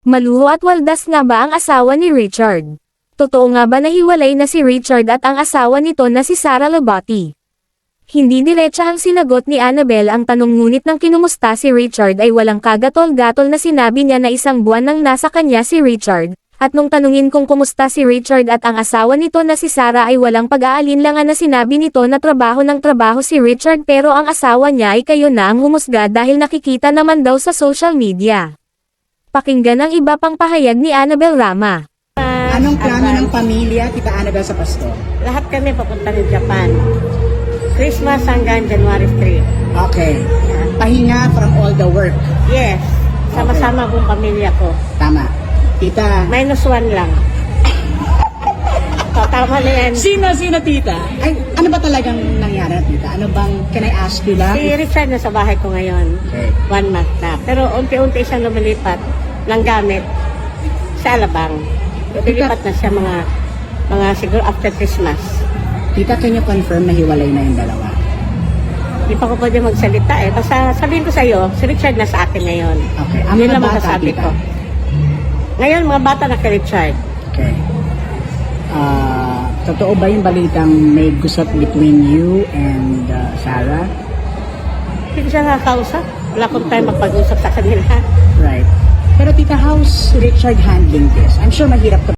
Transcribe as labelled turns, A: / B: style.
A: Maluho at waldas nga ba ang asawa ni Richard? Totoo nga ba na hiwalay na si Richard at ang asawa nito na si Sara Labati? Hindi diretsa ang sinagot ni Annabel ang tanong, ngunit nang kinumusta si Richard ay walang kagatol-gatol na sinabi niya na isang buwan nang nasa kanya si Richard, at nung tanungin kung kumusta si Richard at ang asawa nito na si Sara ay walang pag-aalinlangan na sinabi nito na trabaho ng trabaho si Richard, pero ang asawa niya ay kayo na ang humusga dahil nakikita naman daw sa social media. Pakinggan ang iba pang pahayag ni Annabel Rama.
B: Anong plano ng pamilya, Tita Annabel, sa Pasko?
C: Lahat kami papunta ng Japan. Christmas hanggang January 3.
B: Okay. Pahinga from all the work.
C: Yes. Sama-sama buong pamilya ko.
B: Tama. Tita.
C: -1 lang. So, tama na yan.
B: Sino, Tita? Ay, ano ba talagang nangyari, Tita? Ano bang, can I ask you lang?
C: Si Richard na sa bahay ko ngayon.
B: Okay.
C: 1 month na. Pero unti-unti siyang lumilipat ng gamit sa Alabang. Lumilipat na siya mga siguro after Christmas.
B: Tita, can you confirm na hiwalay na yung dalawa?
C: Hindi pa ko pwede magsalita eh. Basta sabihin ko sa'yo, si Richard na sa akin ngayon.
B: Okay. Ang
C: Yun
B: mga
C: lang
B: bata,
C: masasabi
B: Tita?
C: ko. Ngayon, mga bata na kay Richard.
B: Okay. Totoo ba yung balitang may gusot between you and Sarah?
C: Hindi ko siya nakakausap. Wala akong time magpag-usap sa kanila.
B: Right. Pero Tita, how's Richard handling this? I'm sure mahirap to